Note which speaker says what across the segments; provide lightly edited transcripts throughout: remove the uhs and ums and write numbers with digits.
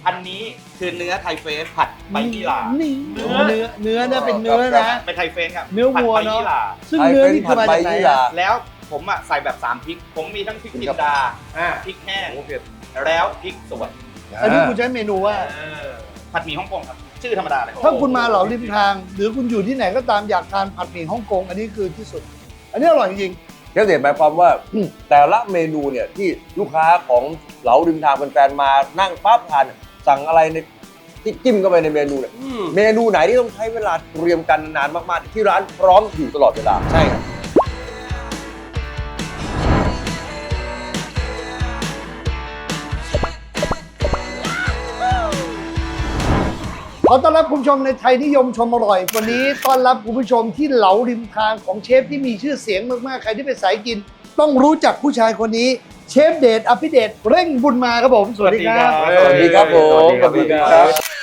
Speaker 1: อันนี้คือเนื้อไทยเฟสผัดใบยี่หร่า
Speaker 2: นี่เนื้อนะเป็นเนื้อนะ
Speaker 1: เป็นไทยเฟสครับ
Speaker 2: เนื้อวัว
Speaker 1: ผัดใบ
Speaker 2: เนาะ
Speaker 1: ยี่หร่า
Speaker 2: ซึ่งเนื้อนี่คือมาจากไหนอะ
Speaker 1: แล้วผมอ่ะใส่แบบ3พริกผมมีทั้งพริกจินดาพริกแห้งแล้วพริกสด
Speaker 2: อันนี้คุณใช้เมนูว่า
Speaker 1: ผัดหมี่ฮ่องกงครับชื่อธรรมดาเลย
Speaker 2: ถ้าคุณมาเหลาริมทาง หรือคุณอยู่ที่ไหนก็ตามอยากทานผัดหมี่ฮ่องกงอันนี้คือที่สุด อันนี้อร่อยจริง
Speaker 3: เชฟเดชหมายความว่าแต่ละเมนูเนี่ยที่ลูกค้าของเหลาริมทางแฟนๆมานั่งปั๊บทานสั่งอะไรในที่จิ้มเข้าไปในเมนูเนี่ยเมนูไหนที่ต้องใช้เวลาเตรียมกันนานมากๆที่ร้านพร้อมอยู่ตลอดเวลา
Speaker 1: ใช่ครับ
Speaker 2: ขอต้อนรับคุณผู้ชมในไทยนิยมชมอร่อยวันนี้ต้อนรับคุณผู้ชมที่เหลาริมทางของเชฟที่มีชื่อเสียงมากๆใครที่เป็นสายกิน ต้องรู้จักผู้ชายคนนี้เชฟเดชอภิเดชเร่งบุญมาครับผมสวัสดีครับ
Speaker 3: สวัสดีครับผม
Speaker 1: สวัสดีครับ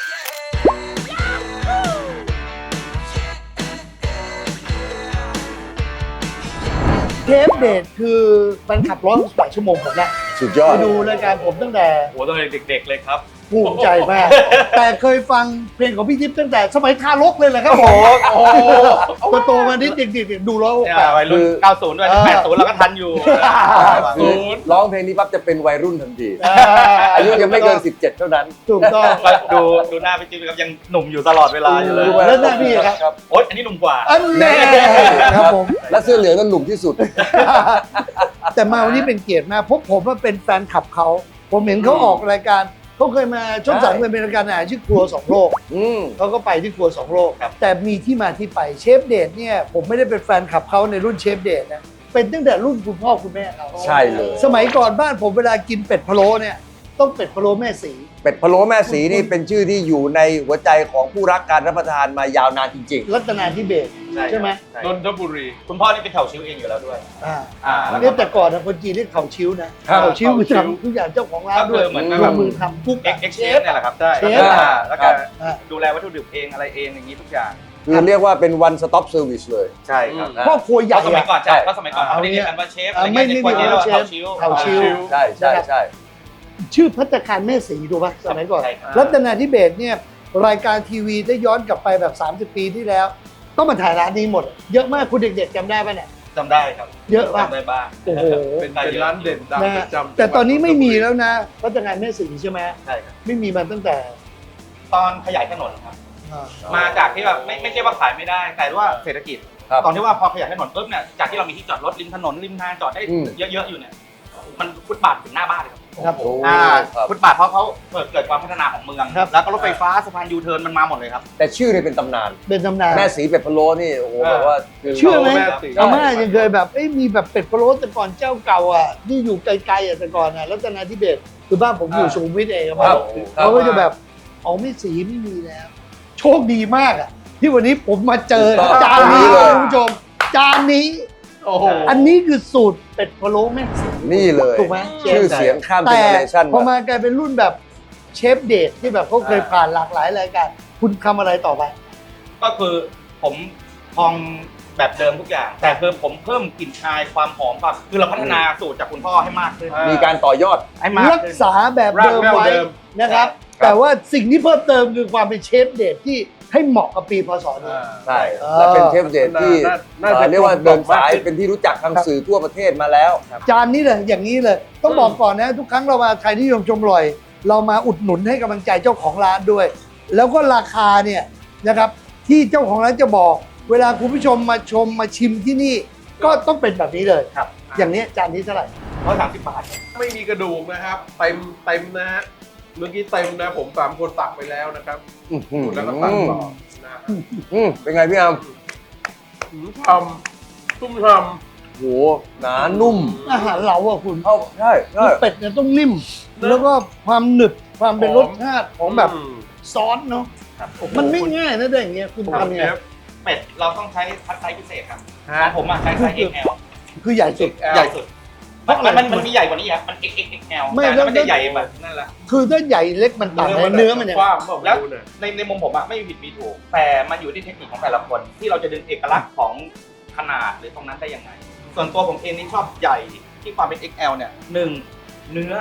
Speaker 2: เชฟเดชคือแฟนคลับ168 ชั่วโมงผมนะ
Speaker 3: สุดยอ
Speaker 2: ไป
Speaker 3: ด
Speaker 2: ดูรายการผมตั้งแต่
Speaker 1: โอ้ตั้งแต่เด็กๆเลยครับ
Speaker 2: ภูมิใจมาก แต่เคยฟังเพลงของพี่ทิพย์ตั้งแต่สมัยทารกเลยแหละครับผม
Speaker 1: โอ้โห
Speaker 2: โตมานิดเด็กๆดู168
Speaker 1: วัยรุ่น90ด้วย80เราก็ทันอยู่
Speaker 3: คือร้องเพลงนี้ปั๊บจะเป็นวัยรุ่นทันทีอายุยังไม่เกิน 17 เท่านั้น
Speaker 2: ถูกต้อง
Speaker 1: ดูหน้าพี่จิ๊บครับยังหนุ่มอยู่ตลอดเวลาอยู่เลย
Speaker 2: แล้วหน้าพี่ครับ
Speaker 1: โอ๊ยอันนี้หนุ่มกว่า
Speaker 2: อันแน่ครับผม
Speaker 3: และเสื้อเหลืองนั่นหนุ่มที่สุด
Speaker 2: แต่มาวันนี้เป็นเกียรติมากเพราะผมว่าเป็นแฟนคลับเขา ผมเห็นเขาออกรายการเขาเคยมาช่องสามเคยเป็นรายการอาหารชื่อครัว2 โลก เขาก็ไปที่ครัว2 โลก
Speaker 1: ครับ
Speaker 2: แต่มีที่มาที่ไปเชฟเดชเนี่ยผมไม่ได้เป็นแฟนคลับเขาในรุ่นเชฟเดชนะเป็นตั้งแต่รุ่นคุณพ่อคุณแม่เขา
Speaker 3: ใช่เลย
Speaker 2: สมัยก่อนบ้านผมเวลากินเป็ดพะโล้เนี่ยต้องเป็ดพะโล้แม่สี
Speaker 3: เป็ดพะโล้แม่สีนี่เป็นชื่อที่อยู่ในหัวใจของผู้รักการรับประทานมายาวนานจริง
Speaker 2: รัตนาธิเบศรใช่ไหม
Speaker 4: นนทบุรี
Speaker 1: คุณพ่อนี่เป็นแถวชิวเองอยู่แล้วด้วย
Speaker 2: เรียกแต่ก่อนนะคนจีนเรียกเขาชิ้วนะเขาชิ้วคือทำทุกอย่างเจ้าของร้านด้วย
Speaker 1: เหมือน
Speaker 2: ลงมือทำกุ๊ก
Speaker 1: เอ็กเชฟเนี่ยแหละครับใช่
Speaker 2: เชฟ
Speaker 1: แล้วก็ดูแลวัตถุดิบเองอะไรเองอย่างนี้ทุกอย่าง
Speaker 3: ๆ คือเรียกว่าเป็น one stop service เลย
Speaker 1: ใช่ครับ
Speaker 2: พ่อครัวใหญ่
Speaker 1: ก็สมัยก่อน
Speaker 3: ใช่
Speaker 1: ก็สมัยก่อนเขาเรียกกันว่าเชฟอะไร
Speaker 2: ไม่
Speaker 1: เงี้ย
Speaker 2: ไม่
Speaker 1: ใน
Speaker 2: มี
Speaker 1: คนเรียกว่า
Speaker 2: เชฟ
Speaker 1: เถาชิว
Speaker 2: เถาชิว
Speaker 3: ใช่
Speaker 2: ชื่อภัตตาคารแม่สีถูกป่ะสมัยก่อน
Speaker 1: ใช่ครับ
Speaker 2: รัตนาธิเบศรเนี่ยรายการทีวีได้ย้อนกลับไปแบบ30 ปีที่แล้ว ต้องมาถ่ายร้านนี้หมด เยอะมากคุณเด็กๆจำได้ป่ะเนี่ย
Speaker 1: จำได้ครับ
Speaker 2: เยอะป่ะ
Speaker 1: จำได้บ้าง
Speaker 2: โอ้โห
Speaker 4: เป็นร้านเด่นดัง
Speaker 2: นะ
Speaker 4: ประจำ
Speaker 2: แต่ตอนนี้ไม่มีแล้วนะภัตตาคารแม่สีใช่ไหม
Speaker 1: ใช่ครับ
Speaker 2: ไม่มีมาตั้งแต่
Speaker 1: ตอนขยายถนนครับ มาจากที่แบบไม่ใช่ว่าขายไม่ได้ แต่ว่าเศรษฐกิจ
Speaker 3: ครับ
Speaker 1: ตอนที่ว่าพอขยายถนนปุ๊บเนี่ยจากที่เรามีที่จอดรถริมถนนริมทางจอดได้เยอะๆอยู่เนี่ยมันฟุตบาทถึงหน้าบ้านเลยครับ
Speaker 2: ครับผม
Speaker 3: ครับ
Speaker 1: ฟุตบาทเพราะเขาเกิดความพัฒนาของเมือง
Speaker 2: ครับ
Speaker 1: แล้วก็รถไฟฟ้าสะพานยูเทิร์นมันมาหมดเลยครับ
Speaker 3: แต่ชื่อเนี่ยเป็นตำนาน
Speaker 2: เป็นตำนาน
Speaker 3: แม่สีเป็ดพะโล้นี่โอ้โหแบบว่าคื
Speaker 2: เชื่อไหม
Speaker 4: แม่สี
Speaker 2: อาม่ายังเคยแบบมีแบบเป็ดพะโล้แต่ก่อนเจ้าเก่าอ่ะที่อยู่ไกลๆอ่ะแต่ก่อนอ่ะรัตนาธิเบศรคือบ้านผมอยู่สุขุมวิทเอง
Speaker 3: ค
Speaker 2: ค
Speaker 3: รั
Speaker 2: รั
Speaker 3: บบ
Speaker 2: เขาก็จะแบบเอาไม่สีไม่มีแล้ว โชคดีมากอ่ะที่วันนี้ผมมาเจอจานนี้เลยคุณผู้ชม จานนี้
Speaker 4: โอ้โห
Speaker 2: อันนี้คือสูตรเป็ดพะโล้แม่สี
Speaker 3: นี่เลย
Speaker 2: ถูกไหม
Speaker 3: ชื่อเสียงข้ามเจ
Speaker 2: แต่
Speaker 3: เนอเรชั่น
Speaker 2: พอมากลายเป็นรุ่นแบบเชฟเดทที่แบบเขาเคยผ่านหลากหลายรายการคุณทำอะไรต่อไป
Speaker 1: ก็คือผมพองแบบเดิมทุกอย่าง แต่คือผมเพิ่มกลิ่นอายความหอมแบบคือเราพัฒนาสูตรจากคุณพ่อให้มากขึ้น
Speaker 3: มีการต่อยอด
Speaker 1: ให้มาก
Speaker 2: รัก
Speaker 1: ขึ้น
Speaker 2: ษาแบบเดิมไว้นะครับ แต่ว่าสิ่งที่เพิ่มเติมคือความเป็นเชฟเดทที่ให้เหมาะกับปีพศนี้
Speaker 3: ใช่ และเป็นเชฟเดชที่
Speaker 4: น่าจะ
Speaker 3: เรียกว่าเดินสาย
Speaker 4: กลมกล่อมมากขึ้น
Speaker 3: เป็นที่รู้จักทางสื่อทั่วประเทศมาแล้ว
Speaker 2: จานนี้เลยอย่างนี้เลย ต้องบอกก่อนนะ ทุกครั้งเรามาไทยนิยมชมอร่อย เรามาอุดหนุนให้กำลังใจเจ้าของร้านด้วย แล้วก็ราคาเนี่ยนะครับที่เจ้าของร้านจะบอก เวลาคุณผู้ชมมาชมมาชิมที่นี่ ก็ต้องเป็นแบบนี้เลย
Speaker 1: ครับ
Speaker 2: อย่างนี้จานนี้เท่าไหร่
Speaker 1: 130 บาท
Speaker 4: ไม่มีกระดูกนะครับ เต็มนะฮะ เมื่อกี้เต็มนะผม3 คนตักไปแล้วนะครับ แล้วก็ตักต่อนะฮะ
Speaker 3: เป็นไงพี่อาม
Speaker 4: ทำตุ้มท
Speaker 3: โหหนานุ่ม
Speaker 2: อาหารเราอะคุณ
Speaker 3: เข้าใช่ใช่
Speaker 2: เป็ดเนี่ยต้องนิ่ม แล้วก็ความหนึบความเป็นรสชาติของแบบ
Speaker 4: ำ
Speaker 2: ซอสเนาะ
Speaker 1: ครับ
Speaker 2: มันไม่ง่ายนะได้อย่างเงี้ยคุณ
Speaker 4: ครับ
Speaker 2: ทำเนี่ย
Speaker 4: เชฟ
Speaker 1: เป็ดเราต้องใช้คัดไซส์พิเศษครับ
Speaker 4: ฮะ
Speaker 1: ของผมใช้ไซส์ XL
Speaker 2: คือใหญ่สุด
Speaker 4: XL
Speaker 1: ใหญ่สุด
Speaker 2: เพราะอะไร
Speaker 1: มันมีใหญ่กว่านี้ครับมัน XXL
Speaker 2: ไม่
Speaker 1: แต่
Speaker 2: แล้ว
Speaker 1: มันจะใหญ่แบบนั่นแหละ
Speaker 2: คือถ้าใหญ่เล็กมันต่างกันเนื้อมันยังไง
Speaker 4: กว้างเปล่า
Speaker 1: แล้ว
Speaker 4: ไม่รู้เนี่ย
Speaker 1: ในมุมผมไม่มีผิดมีถูก แต่มันอยู่ที่เทคนิคของแต่ละคน ที่เราจะดึงเอกลักษณ์ของขนาดหรือตรงนั้นได้ยังไง ส่วนตัวผมเองนี่ชอบใหญ่ที่ความเป็น XL เนี่ยหนึ่งเนื้อ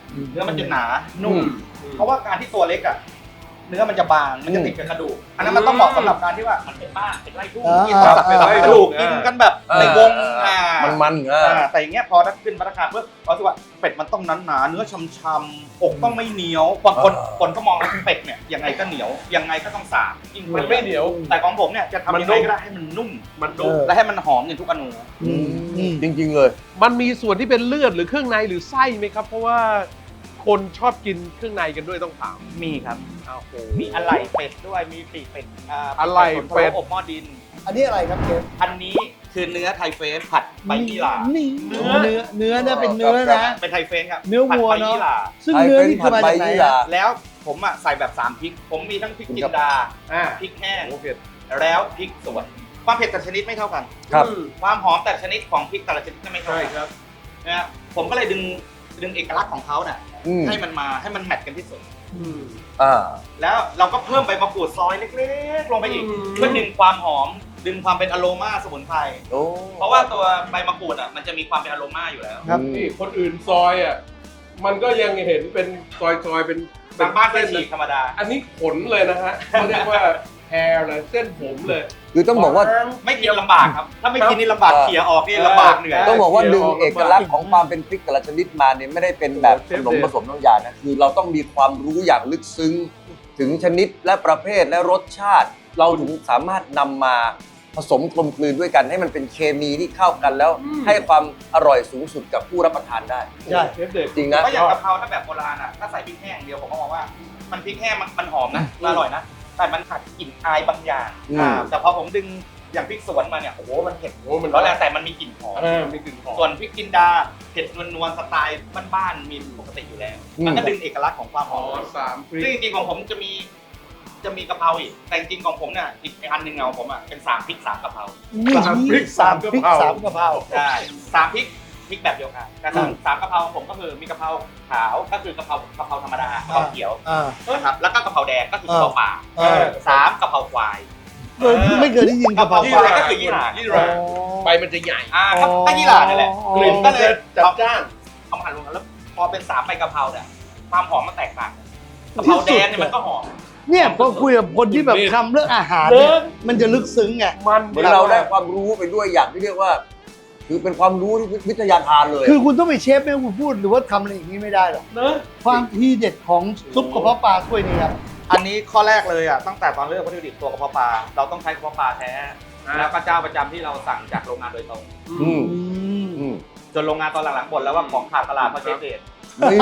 Speaker 1: เนื้อมันจะหนานุ่มเพราะว่าการที่ตัวเล็กอ่ะเนื้อมันจะบางมันจะติดกับกระดูกอันนั้นมันต้องเหมาะสำหรับการที่ว่ามันเป็นบ้านเป็นไร่ทุ่งกินสับกระดูกกินกันแบบในวง
Speaker 3: มัน
Speaker 1: แต่อย่างเงี้ยพอถ้าขึ้นมาตรฐานเพื่อเราคิดว่าเป็ดมันต้องหนาเนื้อช่ำๆอกต้องไม่เหนียวบางคนก็มองว่าเป็ดเนี่ยยังไงก็เหนียวยังไงก็ต้องสาบยิ่ง
Speaker 4: มันไม่เหนียว
Speaker 1: แต่ของผมเนี่ยจะทำยังไงก็ได้ให้มันนุ่มและให้มันหอมอย่างทุกอนู
Speaker 3: จริงๆเลย
Speaker 4: มันมีส่วนที่เป็นเลือดหรือเครื่องในหรือไส้ไหมครับ เพราะว่าคนชอบกินเครื่องในกันด้วยต้องถาม
Speaker 1: มีครับ
Speaker 4: โอ้โห
Speaker 1: มีอะไหล่เป็ดด้วยมีปีกเป็ด
Speaker 4: อะไหล่เป็ด
Speaker 1: อบหม้อดิน
Speaker 2: อันนี้อะไรครับเชฟ
Speaker 1: อันนี้คือเนื้อไทยเฟสผัดใบยี่หร่า
Speaker 2: นี่เนื้อนะเป็นเนื้อนะ
Speaker 1: เป็นไทยเฟสครับ
Speaker 2: เนื้อวัว
Speaker 1: ผัดใบ
Speaker 2: เนอะ
Speaker 1: ยี่หร่า
Speaker 2: ซึ่งเนื้อนี่คือมาจากไหนอะ
Speaker 1: แล้วผมอ่ะใส่แบบ3พริก ผมมีทั้งพริกจินดาพริกแห้ง
Speaker 4: โอเค
Speaker 1: แล้วพริกสวนความเผ็ดแต่ละชนิดไม่เท่ากัน
Speaker 3: ครับ
Speaker 1: ความหอมแต่ละชนิดของพริกแต่ละชนิดก็ไม่เท่า
Speaker 4: ใช่
Speaker 1: กัน
Speaker 4: ครับ
Speaker 1: นะฮะผมก็เลยดึงเอกลักษณ์ของเขาเนี่ย
Speaker 3: อืม
Speaker 1: ให้มันแมทกันที่สุด
Speaker 3: อ่า
Speaker 1: แล้วเราก็เพิ่มใบมะกรูดซอยเล็กๆลงไปอีก
Speaker 4: อืม
Speaker 1: เพื่อดึงความหอมดึงความเป็นอโรมาสมุนไพร
Speaker 3: โอ้
Speaker 1: เพราะว่าตัวใบมะกรูดอ่ะมันจะมีความเป็นอโรมาอยู่แล้ว
Speaker 2: ครับ
Speaker 4: นี่คนอื่นซอยอ่ะมันก็ยังเห็นเป็นซอยเป็น
Speaker 1: บางบ้านก็
Speaker 4: เส้น
Speaker 1: ฉีกธรรมดา
Speaker 4: อันนี้ขนเลยนะฮะเขาเรียกว่าแฮร์เลยเส้นผมเลย
Speaker 3: คือต้องบอกว่า
Speaker 1: ไม่กินลำบากครับ ถ้าไม่กินนี่ลำบากเขี่ยออกนี่ลำบากเหนื่อย
Speaker 3: ต้องบอกว่าดึงเอกลักษณ์ของความเป็นพริกแต่ละชนิดมาเนี่ยไม่ได้เป็นแบบขนมผสมน้ำยานะคือเราต้องมีความรู้อย่างลึกซึ้งถึงชนิดและประเภทและรสชาติ เราถึงสามารถนำมาผสมกลมกลืนด้วยกันให้มันเป็นเคมีที่เข้ากันแล้ว ให้ความอร่อยสูงสุดกับผู้รับประทานได้
Speaker 2: ใช่
Speaker 4: เชฟเด็ก
Speaker 3: จริงนะ
Speaker 1: ก็อย่างกะเพราถ้าแบบโบราณอ่ะถ้าใส่พริกแห้งเดียวผมก็มองว่ามันพริกแห้งมันหอมนะอร่อยนะแต่มันขาดกลิ่นอายบางอย่างแต่พอผมดึงอย่างพริกสวนมาเนี่ยโอ้โหมันเผ็ด
Speaker 4: โอ้มัน
Speaker 1: ร้อนแรงแต่มันมีกลิ่นหอม
Speaker 4: มีกลิ่นหอม
Speaker 1: ส่วนพริกจินดาเผ็ดนวลๆสไตล์บ้านๆมีปกติอยู่แล้ว มันก็ดึงเอกลักษณ์ของความห
Speaker 4: อ๋
Speaker 1: อ
Speaker 4: อ
Speaker 1: ม
Speaker 4: 3พริ
Speaker 1: ซึ่ง
Speaker 4: ก
Speaker 1: จริงๆของผมจะมีกะเพราอีกแต่จริงๆของผมเนี่ยอีกอันหนึ่งของผมอ่ะเป็น3พริก3กะเพรา
Speaker 2: นี่
Speaker 4: สามพริก
Speaker 2: สามพริก
Speaker 4: สาม
Speaker 2: สาม
Speaker 4: กะ
Speaker 2: กะ
Speaker 4: เพ
Speaker 2: เพ
Speaker 4: รา
Speaker 2: รา
Speaker 1: ใช่3พริกแบบเดียวกันแต่สามกะเพราของผมก็คือมีกะเพราขาวก็คือกะเพราธรรมดากะเพราเขียว นะครับแล้วก็กะเพราแดงก็คือกะเพราป่า 3กะเพราควาย
Speaker 2: ไม่เคยได้ยินกะเพรา
Speaker 1: ยี่หร่าก็คือยี่หร่า
Speaker 4: ยี่หร่าใบมันจะใหญ่
Speaker 1: ก็ยี่หร่านี่แหละ
Speaker 2: อ๋อ
Speaker 4: กลิ่นก็เลยจัดจ้าน
Speaker 1: เอามาหั่นรวมกันแล้วพอเป็น3ใบกะเพราเนี่ยความหอมมันแตกต่างกะเพราแดงเนี่ยมันก็หอม
Speaker 2: เนี่ยพอคุยกับคนที่แบบทำเรื่องอาหารเนี่ยมันจะลึกซึ้งไง
Speaker 4: มัน
Speaker 3: เหมือนเราได้ความรู้ไปด้วยอย่างที่เรียกว่า คือเป็นความรู้ที่วิทยาทานเลย
Speaker 2: คือคุณต้องไปเชฟไม่คุณพูดหรือว่าทำอะไรอย่างนี้ไม่ได้หรอก
Speaker 4: เนอะ
Speaker 2: ความทีเด็ดของซุปกระเพาะปลาถ้วยนี้ครับ
Speaker 1: อันนี้ข้อแรกเลยอ่ะตั้งแต่ตอนเลือกวัตถุดิบตัวกระเพาะปลาเราต้องใช้กระเพาะปลาแท้แล้วก็เจ้าประจำที่เราสั่งจากโรงงานโดยตรง
Speaker 3: อืม
Speaker 2: อืม
Speaker 3: อืม
Speaker 1: จนโรงงานตอนหลังๆบ่นแล้วว่าของขาดตลาดเพราะเชฟเดช
Speaker 3: นี่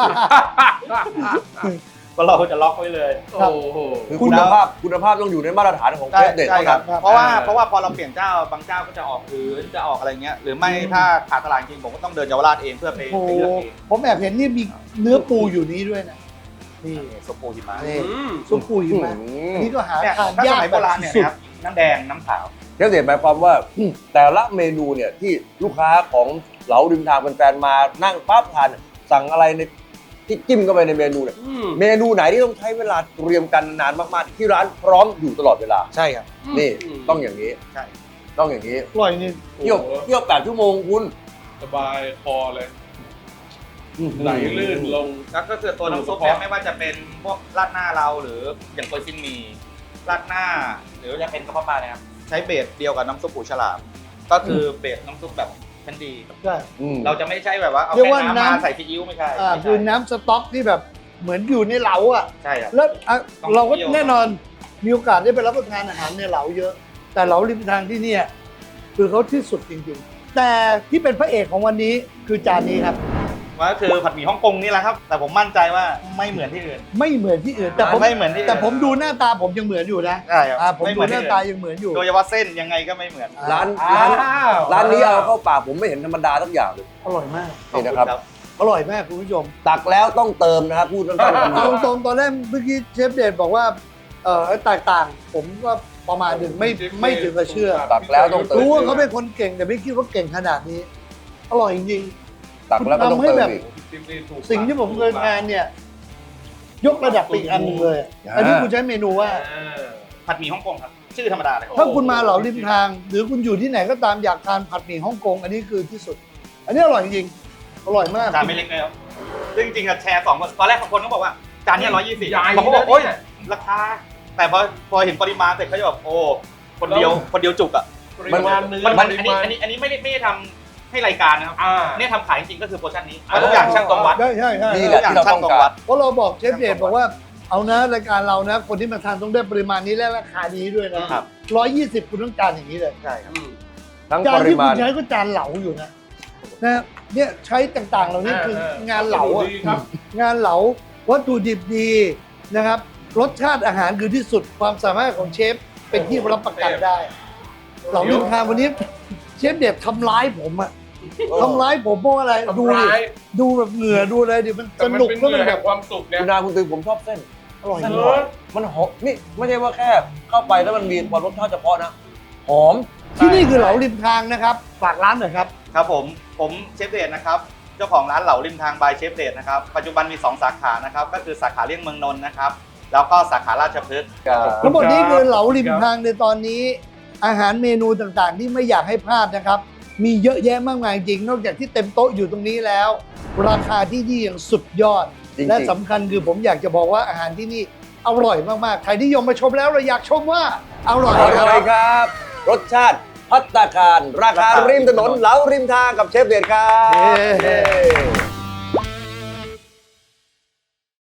Speaker 1: ก็เราจะล็อกไว้เลย
Speaker 4: โอ้โห
Speaker 3: คือคุณภาพต้องอยู่ในมาตรฐานของเชฟเด็ด
Speaker 1: ใช่
Speaker 3: เท่า
Speaker 1: ครั
Speaker 3: นั้
Speaker 1: บ
Speaker 3: น
Speaker 1: เพราะว่าพอเราเปลี่ยนเจ้าบางเจ้าก็จะออกพื้นจะออกอะไรเงี้ยหรือไม่ถ้าขาดตลาดจริงผมก็ต้องเดินเยาวราชเองเพื่อไป
Speaker 2: โอ้โห
Speaker 1: เลือกเอง
Speaker 2: ผมแอบเห็นนี่มีเนื้อปูอยู่นี้ด้วยนะนี่
Speaker 1: สโปหิมะ
Speaker 2: นี่ซุปปูหิมะอันนี้ก็หา
Speaker 1: เนี่ย
Speaker 2: ทาน
Speaker 1: ถ้าส
Speaker 2: ยาก
Speaker 1: มัยโบราณเนี่ย
Speaker 2: สุด
Speaker 1: นะครับน้ำแดงน้ำขาว
Speaker 3: เชฟเด็ดหมายความว่าแต่ละเมนูเนี่ยที่ลูกค้าของเหลาริมทางแฟนๆมานั่งปั๊บทานสั่งอะไรในที่จิ้มเข้าไปในเมนูเนี่ยเมนูไหนที่ต้องใช้เวลาเตรียมกันนานมากๆที่ร้านพร้อมอยู่ตลอดเวลา
Speaker 1: ใช่ครับ
Speaker 3: นี่ต้องอย่างนี้
Speaker 1: ใช่
Speaker 3: ต้องอย่างนี้
Speaker 2: อร่อยจริง
Speaker 3: เที่ยว8 ชั่วโมงคุณ
Speaker 4: สบายคอเลยไหลลื่นลง
Speaker 1: แล้วก็คือตัวน้ำซุปเนี่ยไม่ว่าจะเป็นพวกราดหน้าเราหรืออย่างโกยซินหมีราดหน้า หรือจะเป็นกระเพาะปลาเนี่ยครับใช้เบสเดียวกับน้ำซุปหูฉลาม ก็คือเบสน้ำซุปแบบชั้นดี
Speaker 2: ใช่
Speaker 1: เราจะไม่ใช่แบบว่าเอา
Speaker 2: เรียก
Speaker 1: แค่
Speaker 2: ว่า
Speaker 1: น้ำมา
Speaker 2: น้ำ
Speaker 1: ใส่ซีอิ๊วไม่ใช่
Speaker 2: อ่า
Speaker 1: ไม่
Speaker 2: คือ
Speaker 1: ใช่
Speaker 2: น้ำสต๊อกที่แบบเหมือนอยู่ในเหลาอ่ะ
Speaker 1: ใช่ครับ
Speaker 2: แล้วอ่ะ
Speaker 1: ต้อง
Speaker 2: เราก็
Speaker 1: เคี่ยว
Speaker 2: แน่นอนมีโอกาสได้ไปรับประทานอาหารในเหลาเยอะ แต่เหลาริมทางที่เนี่ยคือเขาที่สุดจริงๆ แต่ที่เป็นพระเอกของวันนี้คือจานนี้ครับ
Speaker 1: ว่าคือผัดหมี่ฮ่องกงนี่แหละครับ แต่ผมมั่นใจว่าไม่เหมือนที่อื่น
Speaker 2: ไม่เหมือนที่อื่น แต่ผม
Speaker 1: ไม่เหมือนที่อื่น
Speaker 2: แต่ผมดูหน้าตาผมยังเหมือนอยู่นะ
Speaker 1: ใช่ครับ
Speaker 2: ผม
Speaker 1: ไม่เห
Speaker 2: ดู
Speaker 1: มือน
Speaker 2: ห
Speaker 1: ที่
Speaker 2: น้า
Speaker 1: อื่น
Speaker 2: ตายังเหมือนอยู่
Speaker 1: โดยเฉพาะเส้นยังไงก็ไม่เหมือน
Speaker 3: ร้าน
Speaker 4: อ้าว
Speaker 3: ร้านนี้เอาเข้าปากผมไม่เห็นธรรมดาสักอย่างเลย
Speaker 2: อร่อยมาก
Speaker 3: นี่นะครับ
Speaker 2: อร่อยมากคุณผู้ชม
Speaker 3: ตักแล้วต้องเติมนะครับพูดสั้นๆคำ
Speaker 2: เอา
Speaker 3: เดียว
Speaker 2: ตรงๆตอนแรกเมื่อกี้เชฟเดชบอกว่าแตกต่าง ผมก็ประมาณหนึ่งไม่ถึงกับเชื่อ
Speaker 3: ตักแล้วต้องเติม
Speaker 2: รู้ว่าเขาเป็นคนเก่งแต่ไม่คิดว่าเก่งขนาดนี้ อร่อยจริง
Speaker 3: ตักแล้วก็ต้องเติมอีก
Speaker 2: ๆ สิ่งที่ผมเคยทานเนี่ย ยกระดับไปอีกอันหนึงเลยอันนี้คุณใช้เมนูว่า
Speaker 1: ผัดหมี่ฮ่องกงครับ ชื่อธรรมดาเลย
Speaker 2: ถ้าคุณมาเหลาริมทาง หรือคุณอยู่ที่ไหนก็ตามอยากทานผัดหมี่ฮ่องกงอันนี้คือที่สุด อันนี้อร่อยจริงๆอร่อยมาก
Speaker 1: จานไม่เล็กเลยครับซึ่งจริงๆอะแชร์2คนตอนแรกของคนก็บอกว่าจานเนี้ย120
Speaker 4: ใหญ่
Speaker 1: บางคนบอกโอ๊ย
Speaker 4: นะเนี่ย
Speaker 1: ราคา แต่พอเห็นปริมาณเสร็จเขาจะแบบโอ้คนเดียวจุกอ่ะ
Speaker 4: ปริมาณเนื้อ
Speaker 1: มัน
Speaker 4: ป
Speaker 1: อัน
Speaker 4: ริ
Speaker 1: นี้
Speaker 4: มาณ
Speaker 1: อันนี้ไม่ได้ทำให้รายการนะครับ
Speaker 4: อ่า
Speaker 1: เนี่ยทำขายจริงๆก็คือโพชั่นนี้เพราะทุกอย่างช่างตรงวัด
Speaker 2: ใช่ใช่ใช่
Speaker 3: นี่แหละที่เราต้องการ
Speaker 2: เพราะเราบอกเชฟเดชบอกว่าเอานะรายการเรานะ คนที่มาทานต้องได้ปริมาณนี้และราคานี้ด้วยนะครับ 120คุณต้องการอย่างนี้เลย
Speaker 1: ใช่ครับ
Speaker 3: ทั้ง
Speaker 2: จา
Speaker 3: ป
Speaker 2: น
Speaker 3: ริ
Speaker 2: ที่คุ
Speaker 3: มาณ
Speaker 2: ณใช้ก็จานเหลาอยู่นะเนี่ยใช้ต่างๆ เหล่านี้คืองานเหลาอะ
Speaker 4: ดีครับ
Speaker 2: งานเหลาวัตถุดิบดีนะครับ รสชาติอาหารคือที่สุดความสามารถของเชฟเป็นที่รับประกันได้ เหลาลิมทางวันนี้เชฟเด็ดทำร้ายผมอะทำร้ายผมเพราะอะไรดู
Speaker 4: ทำ
Speaker 2: ดิ
Speaker 4: ร้าย
Speaker 2: ดูแบบเหงื่อดูอะไรดิมัน
Speaker 4: แต่
Speaker 2: ส
Speaker 4: มัน
Speaker 2: นุก
Speaker 4: เป็น
Speaker 2: แล้ว
Speaker 4: เนื้
Speaker 2: มั
Speaker 4: อน แห่
Speaker 2: แบ
Speaker 4: ง
Speaker 2: บ
Speaker 4: ความสุขเนี่ย
Speaker 3: คุณนาคุณตือผมชอบเส้น
Speaker 2: อร่อย
Speaker 4: เอ
Speaker 2: มาก
Speaker 4: อ
Speaker 3: มันหอมนี่ไม่ใช่ว่าแค่เข้าไปแล้วมันมีความรสชาติเฉพาะนะ หอม
Speaker 2: ที่นี่คือเหลาริมทางนะครับฝากร้านหน่อยครับ
Speaker 1: ครับผมเชฟเดชนะครับเจ้าของร้านเหลาริมทางบายเชฟเดชนะครับปัจจุบันมี2สาขานะครับก็คือสาขาเลี่ยงเมืองนนท์นะครับแล้วก็สาขาราชพฤกษ์
Speaker 2: ทั้งหมดนี้คือเหลาริมทางในตอนนี้ อาหารเมนูต่างๆ ที่ไม่อยากให้พลาดนะครับ มีเยอะแยะมากมายจริงนอกจากที่เต็มโต๊ะอยู่ตรงนี้แล้ว ราคาที่นี่ยังสุดยอด
Speaker 3: จริงๆ
Speaker 2: และสำคัญคือผมอยากจะบอกว่าอาหารที่นี่อร่อยมากๆใครที่ยมมาชมแล้วเราอยากชมว่าอร่อย
Speaker 3: อ
Speaker 2: ค
Speaker 3: ร่
Speaker 2: รั
Speaker 3: อย
Speaker 2: บ
Speaker 3: ครับ รสชาติพัตตาคาร ราคาริมถนนเหลาริมทางกับเชฟเดชครับ
Speaker 2: เย้